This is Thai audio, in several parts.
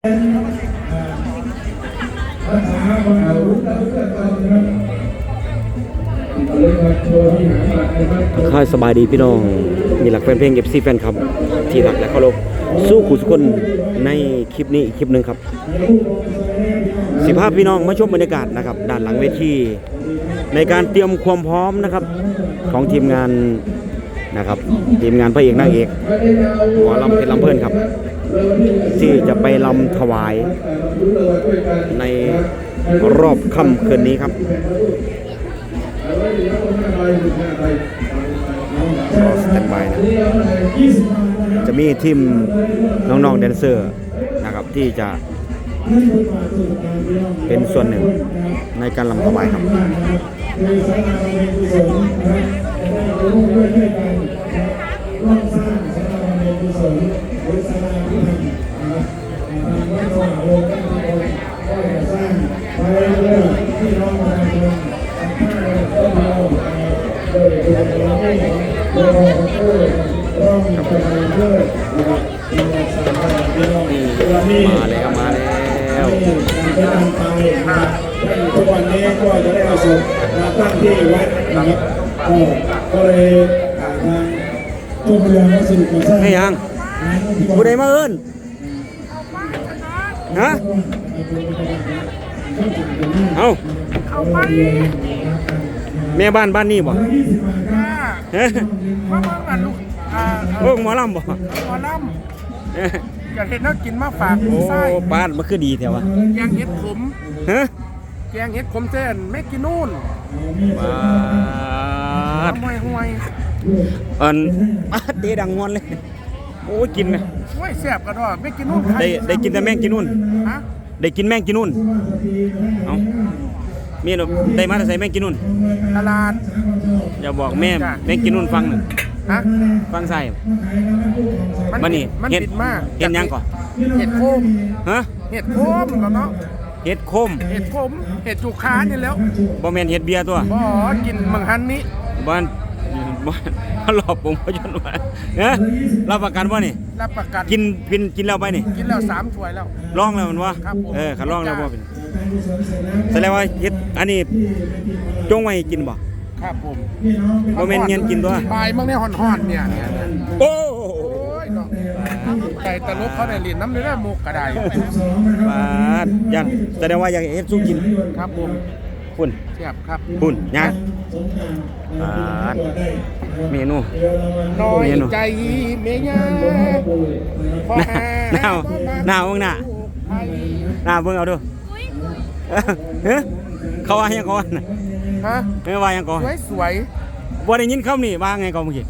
ค่อยสบายดีพี่น้องมีหลักแฟนเพลง FC แฟนครับที่หลักและเคารพสู้ขู่สุคนในคลิปนี้อีกคลิปหนึ่งครับ15พี่น้องมาชมบรรยากาศนะครับด้านหลังเวทีในการเตรียมความพร้อมนะครับของทีมงานนะครับทีมงานพระเอกนางเอกหมอลำเพชรลำเพลินครับที่จะไปลำถวายในรอบค่ำคืนนี้ครับสแตนบายนะจะมีทีมน้องๆแดนเซอร์นะครับที่จะเป็นส่วนหนึ่งในการลำถวายครับมาแล้วมาแล้วทุกวันนี้ก็จะได้เอาศพมาตั้งที่วัดนะครับก็เลยทางเจ้าพระยาวัดสิริก่อสร้างให้ยังผู้ใดมาเอิ้นฮะเอาแม่บ้านนี่บ่ฮะโอ้หมอลำบ่หมอลำอยากเห็นนักกินมาฝากโอ้ไส้บ้านมันคือดีแถววะแกงเห็ดขมฮะแกงเห็ดขมเส้นไม่กินนู่นบ้านห่วยเตะดังงอนเลยโอ้ยกินไหมห่วยแซ่บกันด้วยไม่กินนู่นได้กินแต่แมงกินนู่นฮะได้กินแมงกินนู่นเอามีหนูได้มาแต่ใส่แมงกินนู่นตลาดอย่าบอกแม่แมงกินนู่นฟังหนึ่งฮะฟังใส่มันนี่มันติดมากเห็ดยังก่อนเห็ดโคมฮะเห็ดโคมแล้วเนาะเห็ดโคมเห็ดขมเห็ดจุกค้านี่แล้วบ่แม่นเห็ดเบียร์ตัวบ่กินมังหันนี้บ้านหลอกผมพยนต์มารับประกันว่านี่รับประกันกินแล้วไปนี่กินแล้ว3 ถ้วยแล้วลองแล้วมันวะขันลองแล้วบ่เป็นแสดงว่าเห็ดอันนี้จงไว้กินบ่ครับผมบ่แม่นเงี้ยกินตัวปลายมั่งเนี่ยห่อนๆเนี่ยโอ้ยเนาะไก่ตะลุกเขาได้ลิ้นน้ำเนื้อมุกกระไดบาดยันแสดงว่าอยากเฮ็ดสู้กินครับผมคุณเทียบครับคุณยังเมนูน้อยใจเมียหน้าเบิ่งหน้าเบิ่งเอาดูเขาว่ายังก่อนฮะไม่ว่ายังก่อนสวยบ่ได้ยินคำนี่ว่าไงก่อนเมื่อกี้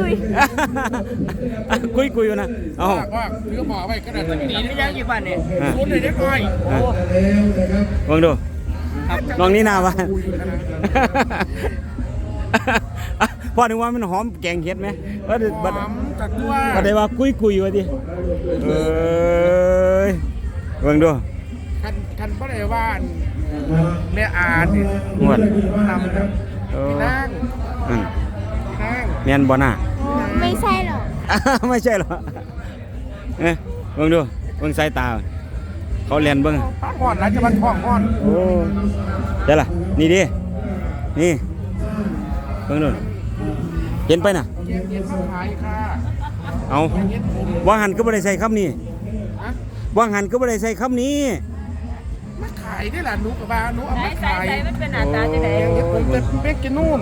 คุยอยู่นะเอาว่าถือหมอไว้ก็ได้ตีไม่ได้กี่บาทเนี่ยศูนย์เลยได้ค่อยเบิ่งดูน้องนี่นาว่าพอถึงว่ามันหอมแกงเห็ดไหมหอมจัดด้วยก็ได้ว่าคุยว่าดิเบิ่งดูคันบ่ได้ว่าแม่อาดงวดนำพี่นางแม่นบ่น่ะไม่ใช่หรอไม่ใช่หรอเบิ่งดูเบิ่งสายตาเขาเรียนเบิ่งห่อนแล้วจะมันท้องห่อนโอ้เดี๋ยวล่ะนี่ดินี่เบิ่งดูเห็นไปน่ะเอาว่างหันก็บ่ได้ใส่คำนี้ว่างหันก็บ่ได้ใส่คำนี้มาขายได้ล่ะหนูกับว่าหนูเอามาขายมันเป็นหน้าตาจังได๋ผมเป็นกินนู่น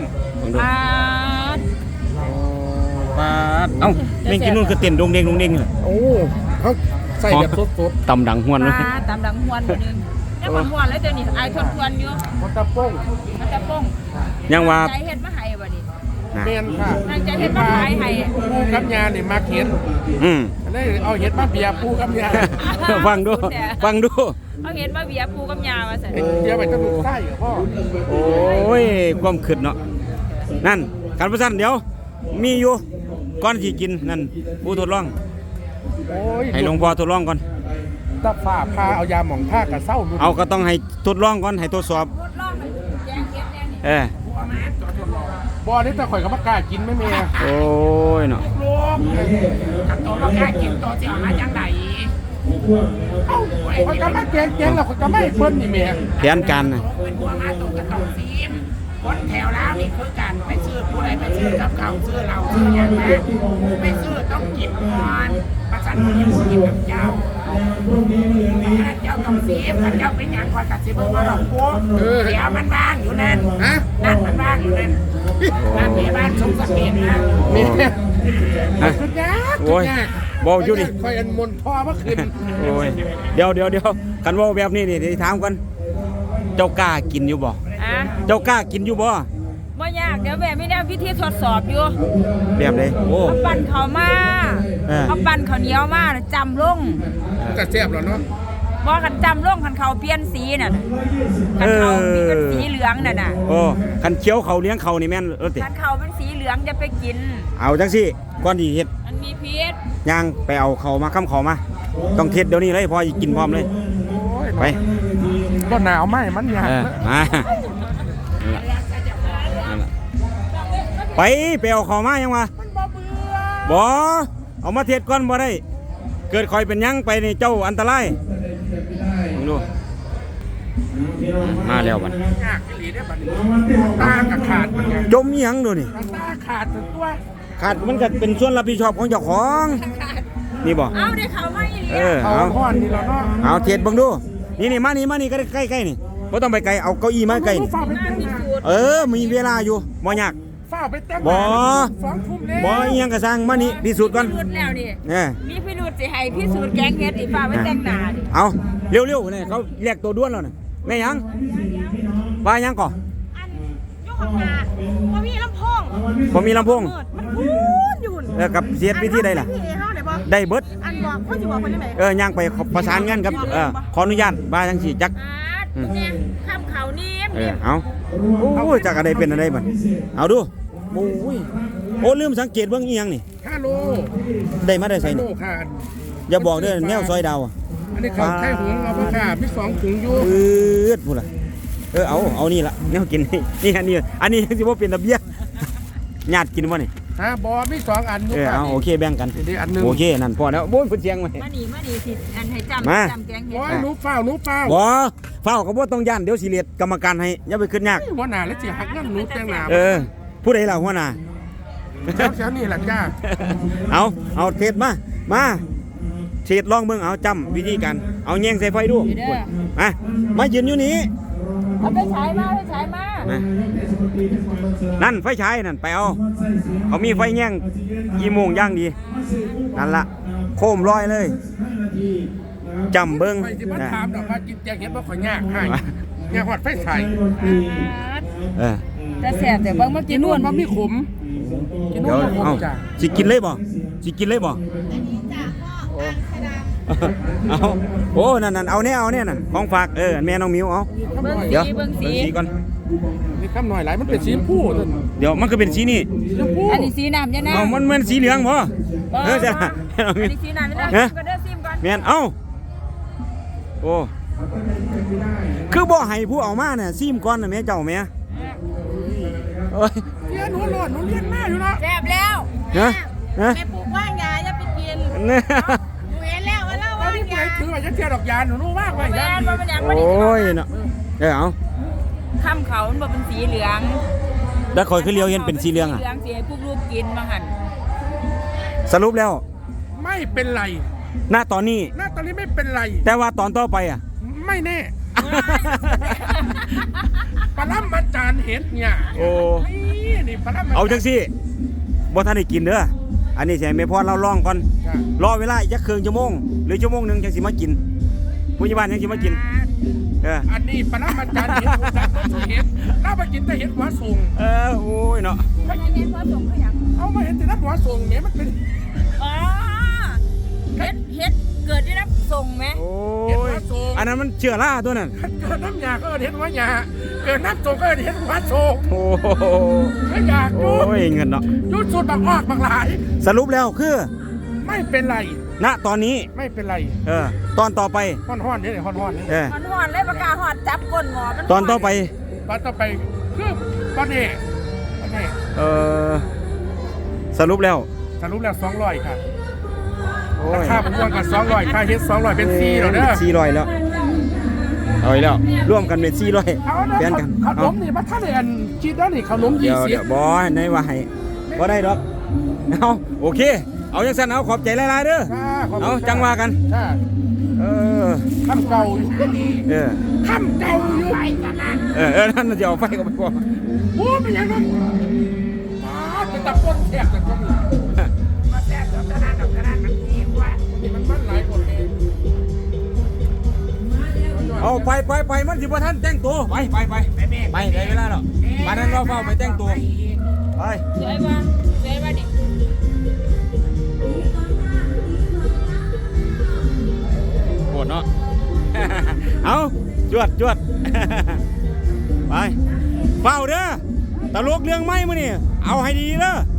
ปาดเอ้าแม่งกินนู่นคือเต้นดงเด้งเลยโอ้เขาใส่แบบสดๆตำดังหวนเลยตำดังหวนนึงแล้วหวนแล้วเดี๋ยวนี้อายทนควรอยู่มันตะป้งยังว่าใจเฮ็ดมาให้บ่นี่เมียนค่ะใจเฮ็ดมาขายให้ปูกับยานี่มาเข็นได้เอาเฮ็ดมาเบียร์ปูกับยาฟังดูเอาเฮ็ดมาเบียร์ปูกับยาว่าซั่นเบียร์ไปตะลุกใต้พ่อโอ้ยความคิดเนาะนั่นการประสานเดี๋ยวมีอยู่ก่อนสิกินนั่นผู้ทดลองให้หลวงพ่อทดลองก่อนตะฝ้าพาเอายาหม่องผ้ากระเซ้าเอาก็ต้องให้ทดลองก่อนให้ทดสอบบ่นี่แต่ข่อยก็บ่กล้ากินไม่แม่โอ้ยเนาะกัดตัวบ่กล้ากินตัวสิหาจังได๋คนก็มาแกงแล้วคนก็ไม่เพิ่นนี่แม่แผนการนะเป็นพวกมาตรงกับตรงซีมคนแถวแล้วนี่คือการไปซื้อผู้ใดไปซื้อกับเขาซื้อเราซื้ออย่างไรไปซื้อต้องกินก่อนประชันกินกินกับเจ้าเจ้าต้องซีมเจ้าเป็นอย่างก่อนตัดสินว่าเราพวกเดี๋ยวมันว่างอยู่นั่นนั่นมันว่างอยู่นั่นนั่นมีบ้านสมศักดิ์นะนี่ฮะสุดยอดโอ้ยบอกอยู่ดิคอยอันมนพ่อเมื่อคืนโอ้ยเดี๋ยวกันว่าแบบนี้นี่เดี๋ยวถามกันเจ้ากล้ากินอยู่บ่อ่ะเจ้ากล้ากินอยู่บ่บ่ยากเดี๋ยวแม่มีแนวพิธีทดสอบอยู่แบบเลยโอ้เขาปั่นเขาวมาเออเขาปั่นข้าวเหนียวมาน่ะจำลงก็แซ่บแล้วเนาะบ่กันจำลงคันเขาเปลี่ยนสีน่ะคันเขาเป็นสีเหลืองน่ะน่ะโอ้คันเคี้ยวเขาเลี้ยงเขานี่แม่นติคันเขาเป็นสีเหลืองจะไปกินเอาจังสิก่อนที่เฮ็ดมันมีพิษย่างไปเอาเขามาค้ำเขามา ต้องเทศเดี๋ยวนี้เลยพอกินพร้อมเลยโอ้ยไปก็หนาวไหมมันยากมานั่นล่ะไปเอาเขามายังวะมันบ่เบื่อบ่เอามาเทศก่อนบ่ได้ เกิดคอยเป็นหยังไปนี่เจ้าอันตรายมึงดูมาแล้วบัดยากอีหลีได้อบัดนี้ตากับขาดมันไงจมอีหยังดูนี่ตาขาดถึงตัวขาดมันก็เป็นส่วนรับผิดชอบของเจ้าของ นี่บ่เอาได้เขามาอีหลีเออเอาเอาห้อนนี่แล้วเนาะเอาเทศเบิ่งดู นี่มานี่ก็ใกล้ๆนี่บ่ต้องไปไกลเอาเก้าอี้มาใกล้นี่ฝ้าไปแต่งหน้าเออมีเวลาอยู่บ่ยากฝ้าไปแต่งหบ่น้า2 ทุ่มแล้วบ่อีหยังก็สร้างมานี่พิสูจน์ก่อนพิรุธแล้วนี่เออมีพิรุธสิให้พิสูจน์แกงเฮ็ดอีฟ้าไว้แต่งหน้าดิเอาเร็วๆนี่เขาเรียกตัวด้วนแล้วน่ะแม่หยังว่าหยังก่ออันยกข้างหน้าบ่มีลำโพงบ่มีลำโพงเปิดมันพูนอยู่กับเสียดวิธีใดล่ะพี่เฮาได้บ่ได้เบิดอันบอกเขาสิบอกเพิ่นได้ไหมย่างไปประสานงานกับขออนุญาตบ้าจังสิจักเนี่ยข้ามเขานี่เอาโอ้ยจักอะไรเป็นอะไรบัดเอาดูโอ้ยโอ้ลืมสังเกตเบิ่งอีหยังนี่ฮัลโหลได้มาได้ใส่ฮัลโหลนี่ค่ะอย่าบอกเด้อแนวซอยดาวอ่ะอันนี้เขาไข่หุงเอาไปค่ะมี2 ถุงอยู่พูดล่ะเอานี่ล่ะแนวกินนี่อันนี้สิบ่เป็นระเบียบญาติกินบ่นี่ฮะบอมี2 อันอยู่ค่ะเอาโอเคแบ่งกันนี่อันหนึงโอเคนั่นพอแล้วโอ้ยเพิ่นเสียงไว้มานี่สิอันให้จมาำแกงเฮ็โอ้ดยหนูเฝ้าบ่เฝ้าก็บ่ต้องย่านเดี๋ยวสิเรียกกรรมการให้อย่าไปขึ้นยากหัวหน้าแล้วสิหักเงินหนูแต่งหน้าผู้ใดล่ะหัวหน้าแถวๆนี่แหละจ้าเอาเทศมาเทศลองเบิ่งเอาจำวิธีการเอาแยงใส่ไฟดูมายืนอยู่นี่เอาไปฉายมานั่นไฟฉายนั่นไปเอาเขามีไฟแยงกี่โมงย่างดีนั่นละโคมลอยเลยจำเบิ่งไปที่บ้านถามดอกว่ากินแกงเห็ดบ่ข่อยยากให้ยากฮอดไฟใส่แต่แสบแต่เบิ่งเมื่อกิกี้นนู่นู่นนบ่มีขมกินนู่เดี๋ยนวบ่ขมเอาจ้าสิกินเลยบ่เอาโอ้นั่นเอาเนี่ยนั่นของฝากแม่น้องมิวเอาเบิ่งเดี๋ยวสีเบิ่งสีสีก่อนนี่คำหน่อยหลายมันเป็นสีชมพูนั่นเดี๋ยวมันก็เป็นสีนี่สีชมพูอันนี้สีน้ำยะนะเอามันสีเหลืองบ่จ้ะอันนี้สีน้ำยะนะฮะก็เด้อซิมก่อนแม่นเอ้าโอ้คือบ่ให้ผู้เอามาเนี่ยซิมก่อนน่ะแม่เจ้าแม่โอ้ยเรียนหนูโหลดหนูเรียนมาอยู่เนาะแสบแล้วฮะแม่ปลูกว่างยาอย่าไปกินเนี่ยหนูเห็นแล้วว่าเล่าแล้วว่างนี่ผู้ยาใดถือว่าจะเทียดอกยาหนูรู้ว่างไว้แม่ยานบ่เป็นหยังโอบ่ได้้ยเนาะเอาข้ามเขามันบ่เป็นสีเหลืองแล้วคอยคือเลียวเห็นเป็นสีเหลืองอ่ะเหลืองสีให้พวกลูกกินบางหันสรุปแล้วไม่เป็นไรณตอนนี้หน้าตอนนี้ไม่เป็นไรแต่ว่าตอนต่อไปอ่ะไม่แน่ปลาล่ำอาจารย์เห็ดเนี่ยโอ้นี่ปลาล่ำเอาจังสิบ่ทันได้กินเด้ออันนี้ใช่แม่พ่อเราลองก่อนรอเวลาอีกจักครึ่งชั่วโมงหรือชั่วโมงหนึงจังสิมากินผู้ใหญ่บ้านจังสิมากินเอันนี้ปลาล่ำอาจารย์เห็ดรู้จักต้นเห็ดถ้าไปกินแต่เห็ดหัวสูงโอ้ยเนาะเขาจะเห็นว่าส่งเขาหยังเอามาเห็นแต่นัดหัวสูงเนี่ยมันเป็นอ๋อเฮ็ดเกิดได้รับส่งไหมโอ้ยอันนั้นมันเชื้อราตัวนั้นเกิดน้ำยาก็เห็ดหัวยาเกิดน้ำสูงก็เห็ดหัวสูงโอ้โหไม่อยากโอ้ยเงินเนาะยุดสุดบักออกบักหลายสรุปแล้วคือไม่เป็นไรณตอนนี้ไม่เป็นไรตอนต่อไปห้อนๆเนี่ยห้อนๆเนี่ยมันหอนเลยปากกาหอดจับก้นหมอมันตอนต่อไปตอนต่อไปคือตอนนี้สรุปแล้วสรุปแล้ว200ค่ะโอ้ยค่าผมว่ากัน200ค่าเฮ็ด200เป็น4แล้วเด้อ 400แล้วเอาอีกแล้วร่วมกันเป็น400 เอานะแฟนกันขนเอามนี่มาท่านเรียนคิดแล้วนี่ขนมเดี๋ยว 20 บอในว่าให้บ่ได้ดอกเอาโอเคเอาจังซั่นเอาขอบใจหลายๆเด้อค่ะขบคุณเอาจังว่ากันค่ะเออคำเก่าอยู่เออคำเก่าอยู่ไปกันนะนั่นจะเอาไฟก็ไปบ่โอ้เป็นยังไงเป็นตะป้นแทบแต่ก็มีมาแซ่บกับกระดานกับกระดานมันดีกว่านี่มันหลายคนเองเอาไปมันสิบ่ทันแต่งตัวไปได้เวลาแล้วมานั้นเราเฝ้าไปแต่งตัวไปสวยบ่สวยบ่ดิโหดเนาะ เอาจวด ไปเฝ้าเด้อตลกเรื่องไม้มื้อนี่เอาให้ดีเด้อ